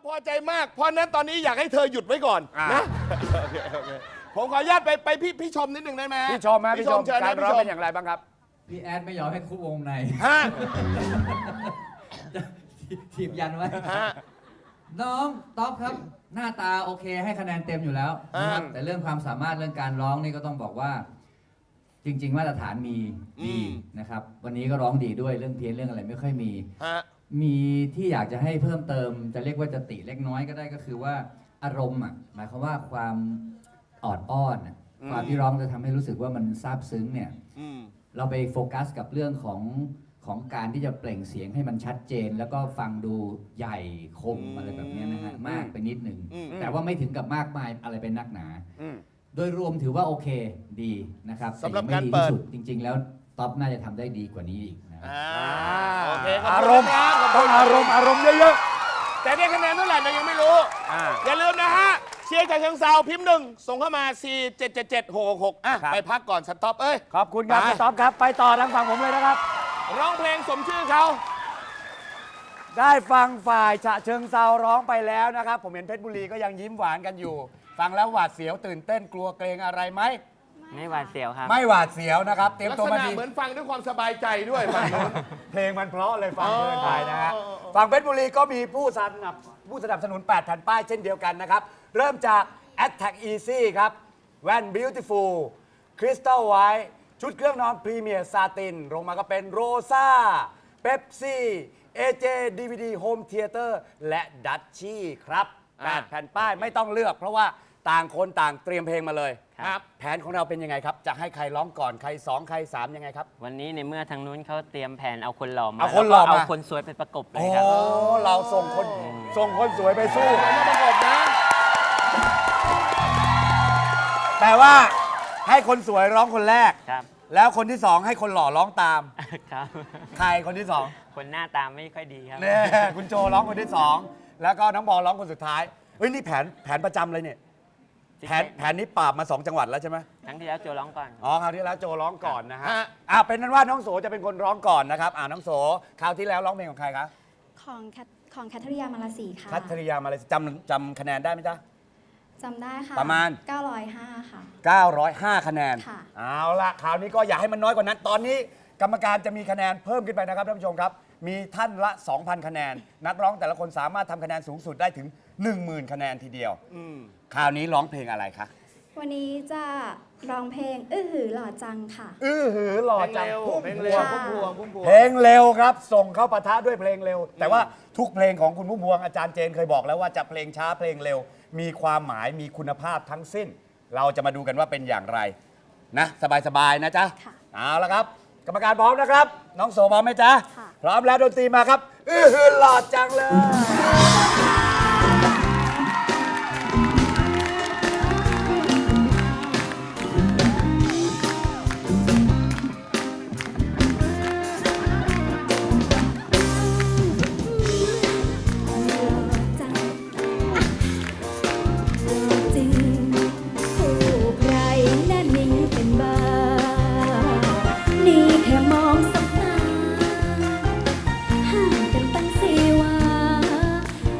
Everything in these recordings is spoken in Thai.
พอใจมากเพราะนั้นตอนนี้อยากให้เธอหยุดไว้ก่อนนะโอเคผมขออนุญาตไปพี่ชมนิดหนึ่งได้ไหมพี่ชมพี่ชมการร้องเป็นอย่างไรบ้างครับพี่แอดไม่ยอมให้คุกวงในฮะถีบยันไว้น้องต๊อบครับหน้าตาโอเคให้คะแนนเต็มอยู่แล้วนะครับแต่เรื่องความสามารถเรื่องการร้องนี่ก็ต้องบอกว่า จริงๆมาตรฐานมีดีนะครับวันนี้ก็ร้องดีด้วยเรื่องเพี้ยนเรื่องอะไรไม่ค่อยมีมีที่อยากจะให้เพิ่มเติมจะเรียกว่าจะติเล็กน้อยก็ได้ก็คือว่าอารมณ์หมายความว่าความอ่อนอ้อนความที่ร้องจะทำให้รู้สึกว่ามันซาบซึ้งเนี่ยเราไปโฟกัสกับเรื่องของการที่จะเปล่งเสียงให้มันชัดเจน แล้วก็ฟังดูใหญ่คมอะไรแบบนี้นะฮะมากไปนิดหนึ่งแต่ว่าไม่ถึงกับมากมายอะไรเป็นนักหนาโดยรวมถือว่าโอเคดีนะครับสำหรับการเปิดจริงๆแล้วท็อปน่าจะทำได้ดีกว่านี้อีกนะโอเคอารมณ์ต้องอารมณ์เยอะๆแต่ได้คะแนนเท่าไหร่เรายังไม่รู้อย่าลืมนะฮะเชียร์จากเชิงเซาพิมพ์1ส่งเข้ามา4777666ไปพักก่อนสต็อปขอบคุณครับสต็อปครับไปต่อทางฝั่งผมเลยนะครับร้องเพลงสมชื่อเขาได้ฟังฝ่ายฉะเชิงเซาร้องไปแล้วนะครับผมเห็นเพชรบุรีก็ยังยิ้มหวานกันอยู่ฟังแล้วหวาดเสียวตื่นเต้นกลัวเกรงอะไรไหมไม่หวาดเสียวครับไม่หวาดเสียวนะครับเตรียมตัวมาดีเหมือนฟังด้วยความสบายใจด้วยฟังนู้นเพลงมันเพราะเลยฟังเพลินไปนะฮะฝั่งเพชรบุรีก็มีผู้สนับสนุน8แผ่นป้ายเช่นเดียวกันนะครับเริ่มจาก Attack Easy ครับแว่น Beautiful Crystal White ชุดเครื่องนอนพรีเมียร์ซาตินลงมาก็เป็นโรซ่าเป๊ปซี่ AJ DVD Home Theater และดัชชี่ครับ8แผ่นป้ายไม่ต้องเลือกเพราะว่าต่างคนต่างเตรียมเพลงมาเลยครับแผนของเราเป็นยังไงครับจะให้ใครร้องก่อนใคร2ใคร3ยังไงครับวันนี้ในเมื่อทางนู้นเขาเตรียมแผนเอาคนหล่อมาเอาคนหล่อมาเอาคนสวยไปประกบเลยครับเราส่งคนสวยไปสู้มาประกบนะแต่ว่าให้คนสวยร้องคนแรกครับแล้วคนที่2ให้คนหล่อร้องตามครับใครคนที่2 คนหน้าตาไม่ค่อยดีครับเนี่ยคุณโจร้องคนที่2แล้วก็น้องบอลร้องคนสุดท้ายเฮ้ยนี่แผนประจำเลยเนี่ยแผนนี้ปราบมา2จังหวัดแล้วใช่ไหมครั้งที่แล้วโจร้องก่อนคราวที่แล้วโจร้องก่อนนะฮะเป็นนั้นว่าน้องโสจะเป็นคนร้องก่อนนะครับน้องโสคราวที่แล้วร้องเพลงของใครคะของแคทริยามาลาสีค่ะแคทริยามาลาสีจำคะแนนได้ไหมจ๊ะจำได้ค่ะประมาณ 905ค่ะ 905คะแนนเอาละคราวนี้ก็อย่าให้มันน้อยกว่านั้นตอนนี้กรรมการจะมีคะแนนเพิ่มขึ้นไปนะครับท่านผู้ชมครับมีท่านละ 2,000 คะแนนนักร้องแต่ละคนสามารถทำคะแนนสูงสุดได้ถึง 10,000 คะแนนทีเดียวคราวนี้ร้องเพลงอะไรคะวันนี้จะร้องเพลงหือหล่อจังค่ะหือหล่อจังเพลงเร็วเพลงเร็วครับส่งเข้าปะทะด้วยเพลงเร็วแต่ว่าทุกเพลงของคุณพุ่มพวงอาจารย์เจนเคยบอกแล้วว่าจะเพลงช้าเพลงเร็วมีความหมายมีคุณภาพทั้งสิ้นเราจะมาดูกันว่าเป็นอย่างไรนะสบายๆนะจ๊ะเอาละครับกรรมการพร้อมนะครับน้องโสพร้อมไหมจ๊ะพร้อมแล้วดนตรีมาครับหือหล่อจังเลยเ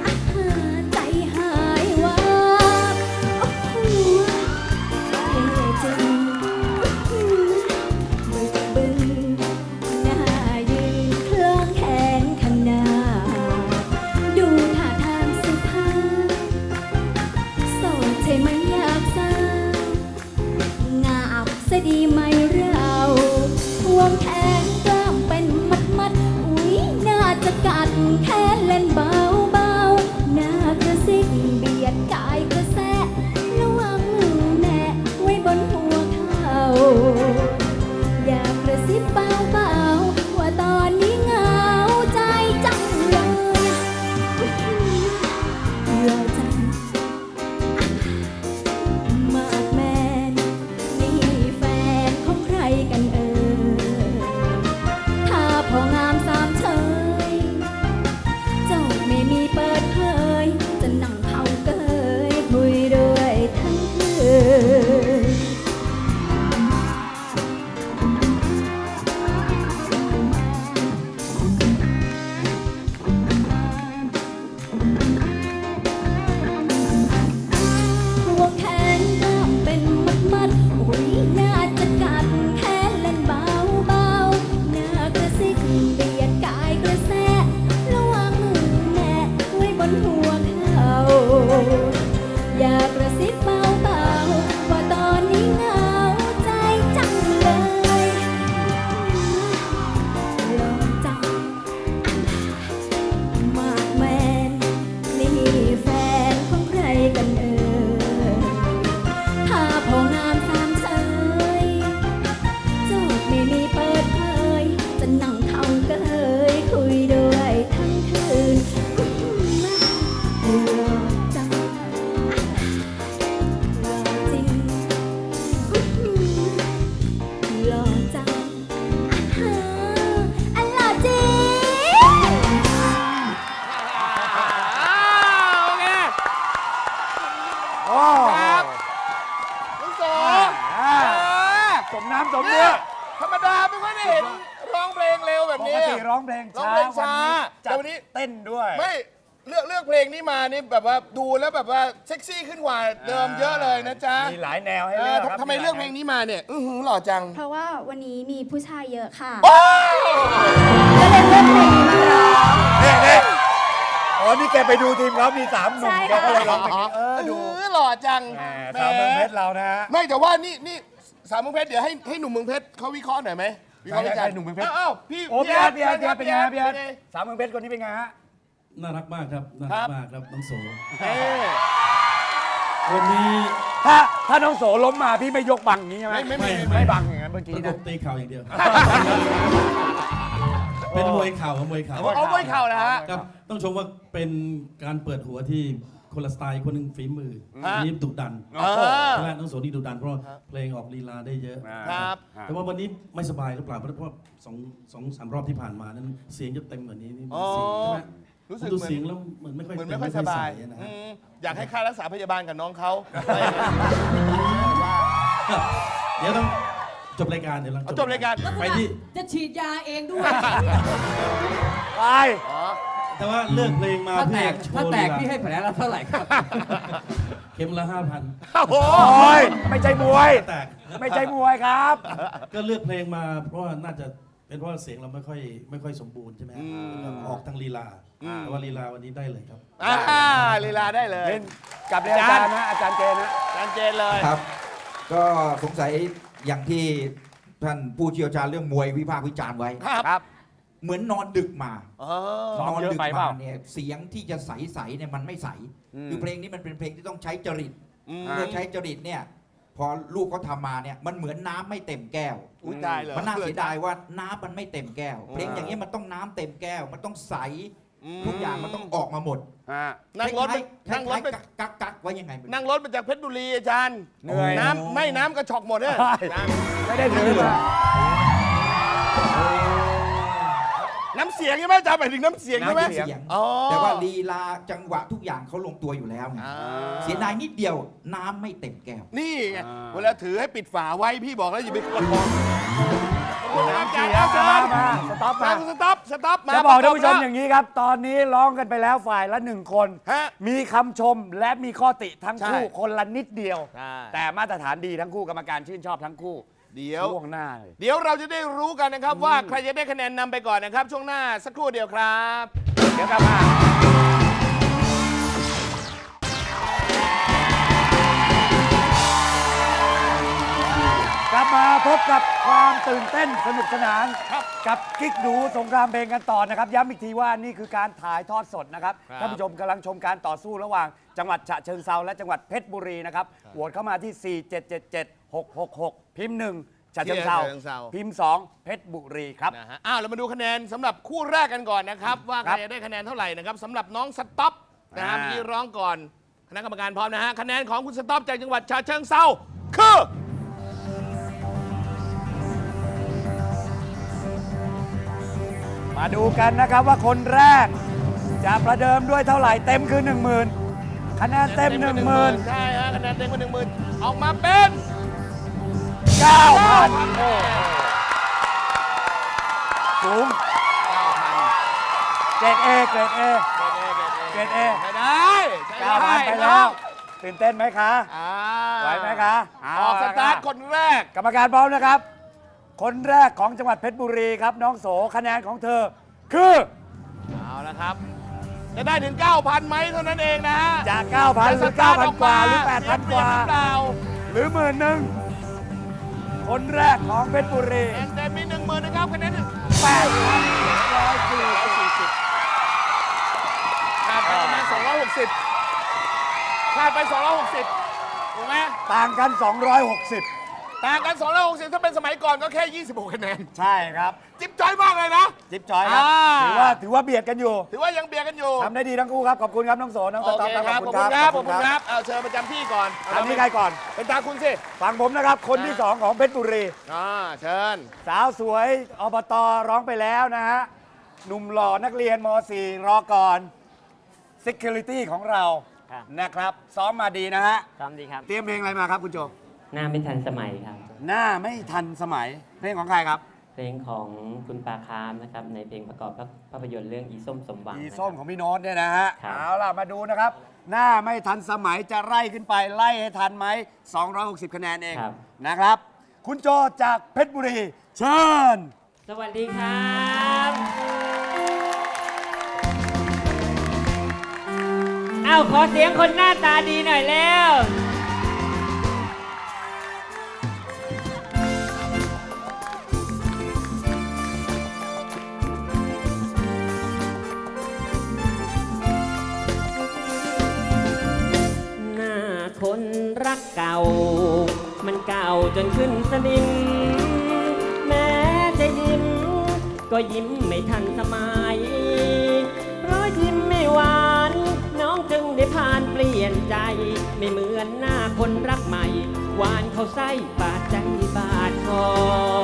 โอ้ครับน้องโสสมน้ำสมเนื้เนี่อยธรรมดาไม่ค่อยได้เห็นร้องเพลงเร็วแบบปนี้กติร้องเพลงร้องช้าเพลงช้าจัแต่ดวันนี้เต้นด้วยไม่เลือกเพลงนี้มานี่แบบว่าดูแล้วแบบว่าเซ็กซี่ขึ้นกว่าเดิมเยอะเลยนะจ๊ะมีหลายแนวให้เลือกครับทำไมเลือกเพลงนี้มาเนี่ยหล่อจังเพราะว่าวันนี้มีผู้ชายเยอะค่ะโอ้ยก็เลยเลือกเพลงนี้มาร้องนี่อ๋อนี่แกไปดูทีมเขามี3 หนุ่มใช่แกค่ะก็เลยร้องเพลงนี้ดูหล่อจังแหมสาวเมืองเพชรเรานะฮะไม่แต่ว่านี่สาวเมืองเพชรเดี๋ยวให้หนุ่มเมืองเพชรเขาวิเคราะห์หน่อยไหมวิเคราะห์วิจารณ์ให้หนุ่มเมืองเพชรอ้าวพี่โอ้พี่อาร์ตเป็นไงพี่อาร์ตเป็นไงสาวเมืองเพชรคนนี้เป็นไงฮะน่ารักมากครับ น่าครัรับ กมากครับ น้องโสเอ้ยวันนี้ถ้าน้องโสล้มมาพี่ไม่ยกบังอย่างนี้ใช่ไหม ไม่บังอย่างนั้นเมื่อปกี้ระกนะบตีเข่าอย่างเดียว เป็นมวยเข่าครับมวยเข่าเอาไว้เข่านะฮะครับ ต้องชมว่าเป็นการเปิดหัวที่คนละสไตล์คนหนึ่งฝีมืออันนี้ดุดันอ่าใช่ไหมน้องโสนี่ดุดันเพราะเพลงออกลีลาได้เยอะครับแต่ว่าวันนี้ไม่สบายหรือเปล่าเพราะว่าสองสามรอบที่ผ่านมานั้นเสียงจะเต็มกว่านี้นี่อ๋อเสียงใช่ไหมรู้สึกดูเหมือนเสียงแล้วเหมือนไม่ค่อยเหมือนเต็ไม่ค่อยสบายในะฮะอยากให้ค่ารักษาพยาบาลกับน้องเขาเดี๋ยวต้องจบรายการเดี๋ยวหลังเอาจบรายการไปที่จะฉีดยาเองด้วยไปแต่ว่าเลือกเพลงมาถ้าแตเพื่อก โชถ้าว์แตลีกลาพี่ให้แผลละเท่าไหร่ครับเข็มละ 5,000 โอ้โหโอ้ยไม่ใช่มวยแตกไม่ใช่มวยครับก็เลือกเพลงมาเพราะว่าน่าจะเป็นเพราะว่าเสียงเราไม่ค่อยสมบูรณ์ใช่ไหมฮะออกทางลีลาแต่ว่าลีลาวันนี้ได้เลยครับลีลาได้เลยเล่นกับเรียนอาจารย์นะอาจารย์เจนนะจานเจนเลยครับ ก็สงสัยอย่างที่ท่านผู้เชี่ยวชาญเรื่องมวยวิพากษ์วิจารณ์ไว้ครับเหมือนนอนดึกมาซ้อมนอนเยอะดึกไปเปมาล่าเนี่ยเสียงที่จะใสๆเนี่ยมันไม่ใสคือเพลงนี้มันเป็นเพลงที่ต้องใช้จริตเมื่อใช้จริตเนี่ยพอลูกเขาทำมาเนี่ยมันเหมือนน้ำไม่เต็มแก้วอุ้ยตายเลยมันน่าเสียดายว่าน้ำมันไม่เต็มแก้ว เพลงอย่างนี้ยมันต้องน้ำเต็มแก้ว มันต้องใสทุกอย่างมันต้องออกมาหมดนั่งรถคล้ายๆนั่งรถไปกักๆไว้ยังไงไม่รู้นั่งรถมาจากเพชรบุรีอาจารย์เหนื่อยน้ำกระชอกหมดเนี่ยใช่ไม่ได้ถือมาน้ำเสียงใช่ไหมอาจารย์หมายถึงน้ำเสียงใช่ไหมน้ำเสียงอ๋อแต่ว่าลีลาจังหวะทุกอย่างเขาลงตัวอยู่แล้วไงอ่าเสียดายนิดเดียวน้ำไม่เต็มแก้วนี่ไงเวลาถือให้ปิดฝาไว้พี่บอกแล้วอย่าไปประคองน้ำเสียมาสต็อปมาสต็อปมาจะบอกท่านผู้ชมประอย่างนี้ครับ ตอนนี้ร้องกันไปแล้วฝ่ายละ1 คนฮะมีคำชมและมีข้อติทั้งคู่ใช่คนละนิดเดียวใช่แต่มาตรฐานดีทั้งคู่กรรมการชื่นชอบทั้งคู่เดี๋ยวช่วงหน้าเลยเดี๋ยวเราจะได้รู้กันนะครับว่าใครจะได้คะแนนนำไปก่อนนะครับ ช่วงหน้าสักครู่เดียวครับเดี๋ยวกลับมา กลับมาพบกับความตื่นเต้นสนุกสนานกับกิ๊กดูสงครามเพลงกันต่อนะครับ ย้ำอีกทีว่านี่คือการถ่ายทอดสดนะครับครับท่านผู้ชมกำลังชมการต่อสู้ระหว่างจังหวัดฉะเชิงเซาและจังหวัดเพชรบุรีนะครับโหวตเข้ามาที่ 4777666 พิมพ์ 1ฉะเชิงเซาพิมพ์ 2 เพชรบุรีครับนะฮะอ้าวเรามาดูคะแนนสำหรับคู่แรกกันก่อนนะครับ ว่าใครจะได้คะแนนเท่าไหร่นะครับสำหรับน้องสต็อปนะฮะอ่าเมื่อกี้ร้องก่อนคณะกรรมการพร้อมนะฮะคะแนนของคุณสต็อปจากจังหวัดฉะเชิงเซาคือมาดูกันนะครับว่าคนแรก จะประเดิมด้วยเท่าไหร่เต็มคือ 10,000คะแนนเต็ม 10,000 ใช่ฮะคะแนนเต็มกว่า10,000ออกมาเป็น 9,000 สูงเกรดเอเกรดเอ เกรด A ไม่ได้ใช้ด้ 9,000ไปแล้วตื่นเต้นไหมคะอ่าไหวไหมคะออกสตาร์ทเอคนแรกกรรมการพร้อมนะครับ คนแรกของจังหวัดเพชรบุรีครับ น้องโสคะแนนของเธอ คือเอาละครับ จะได้ถึง 9,000ไหมเท่านั้นเองนะฮะจาก 9,000 หรือ 9,000 กว่า หรือ 8,000 กว่าเสียเปรียบหรือเปล่าหรือ 10,000 คนแรกของเพชรบุรีคะแนนเต็มมี10,000นะครับคะแนน 8,140 ขาดไปประมาณ260ขาดไป260ถูกไหมต่างกัน 260 ต่างกัน260ถ้าเป็นสมัยก่อนก็แค่ 26 คะแนนใช่ครับจิ๊บจ้อยมากเลยนะจิ๊บจอยครับ ถือว่าเบียดกันอยู่ถือว่ายังเบียดกันอยู่ทำได้ดีทั้งคู่ครับ ขอบคุณครับ น้องโสน้องโอสต๊อปเคครับครับ ขอบคุณครับ ขอบคุณครับ เอาเชิญประจำที่ก่อนอันนี้ใครก่อนเป็นตาคุณสิฟังผมนะครับ คนที่ 2 ของเพชรบุรีเชิญสาวสวยอบตร้องไปแล้วนะฮะ หนุ่มหล่อนักเรียนม .4 รอก่อน Security ของเราครับนะครับ ซ้อมมาดีนะฮะซ้อมดีครับเตรียมเพลงอะไรมาครับคุณโจหน้าไม่ทันสมัยครับหน้าไม่ทันสมัย เพลงของใครครับเพลงของคุณปาคามนะครับ ในเพลงประกอบภาพยนตร์เรื่องอีส้มสมหวังอีนะครับส้มของพี่โน้ตเนี่ยนะฮะครับเอาล่ะ มาดูนะครับ หน้าไม่ทันสมัยจะไล่ขึ้นไปไล่ให้ทันไหม 260 คะแนนเองครับนะครับ คุณโจจากเพชรบุรี เชิญสวัสดีครับ อ้าว ขอเสียงคนหน้าตาดีหน่อยแล้ว หน้าคนรักเก่า มันเก่าจนขึ้นสนิม แม้จะยิ้ม ก็ยิ้มไม่ทันสมัย เพราะยิ้มไม่หวาน น้องจึงได้ผ่านเปลี่ยนใจ ไม่เหมือนหน้าคนรักใหม่ หวานเขาไส้บาดใจบาดคอ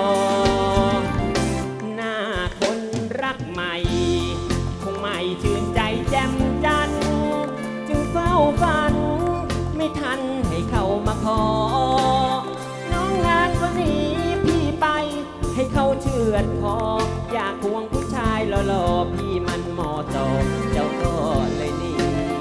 หน้าคนรักใหม่ คงไม่ชื่นใจแจ่มจันทร์จึงเฝ้าฝัน ไม่ทันให้เขามาขอ น้องงานก็หนีพี่ไป ให้เขาเชือดคอ อยากควงผู้ชายหล่อๆพี่มันมอตอเจ้าก็เลยหนี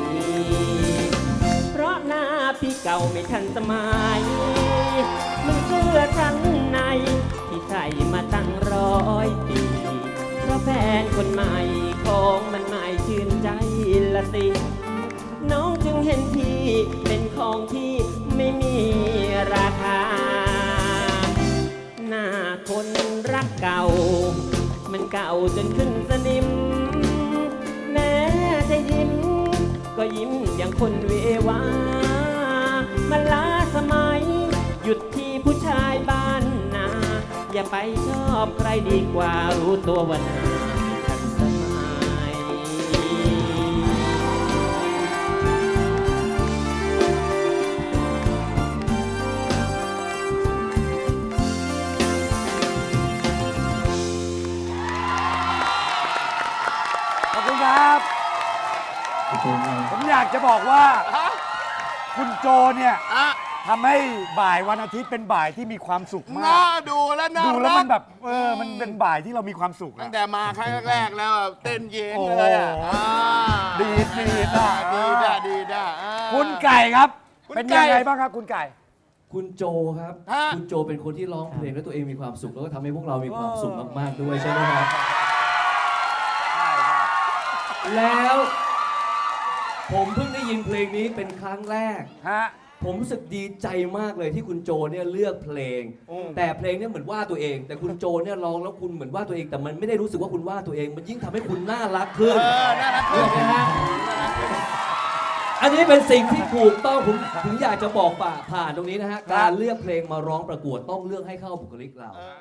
เพราะหน้าพี่เก่าไม่ทันสมัยมันเสื้อชั้นในที่ใส่มาตั้ง100 ปีเพราะแฟนคนใหม่ของมันไม่ชื่นใจละสิ น้องจึงเห็นพี่เป็นของที่ไม่มีราคา หน้าคนรักเก่า มันเก่าจนขึ้นสนิม แม้จะยิ้ม ก็ยิ้มอย่างคนเววา มันล้าสมัย หยุดที่ผู้ชายบ้านนา อย่าไปชอบใครดีกว่ารู้ตัวว่าหน้าไม่ทันสมัยขอบคุณครับ ผมอยากจะบอกว่า คุณโจเนี่ยอ่ะทำให้บ่ายวันอาทิตย์เป็นบ่ายที่มีความสุขมาน่าก ดูแล้วน่าดูแล้วมันรักแบบมันเป็นบ่ายที่เรามีความสุขตั้อะงแต่มาครั้งแรกแล้วอะเต้นเย็นเลยอ่ะโอ้อ่าดีดอ่ะดีด้ะดีด้ะอ่าคุณไก่ครับคุณเป็นไก่ยังไงบ้างครับคุณไก่คุณโจครับฮะคุณโจเป็นคนที่ร้องเพลงแล้วตัวเองมีความสุข แล้วก็ทำให้พวกเรามีความสุขมากๆด้วยใช่ไหมครับ แล้วผมเพิ่งได้ยินเพลงนี้เป็นครั้งแรกฮะผมรู้สึกดีใจมากเลยที่คุณโจเนี่ยเลือกเพลง แต่เพลงเนี่ยเหมือนว่าตัวเอง แต่คุณโจเนี่ยร้องแล้วคุณเหมือนว่าตัวเอง แต่มันไม่ได้รู้สึกว่าคุณว่าตัวเอง มันยิ่งทำให้คุณน่ารักขึ้นน่ารักขึ้นใช่ไหมฮะอันนี้เป็นสิ่งที่ถูกต้องผมถึงอยากจะบอกผ่านตรงนี้นะฮะ การเลือกเพลงมาร้องประกวดต้องเลือกให้เข้าบุคลิกเรา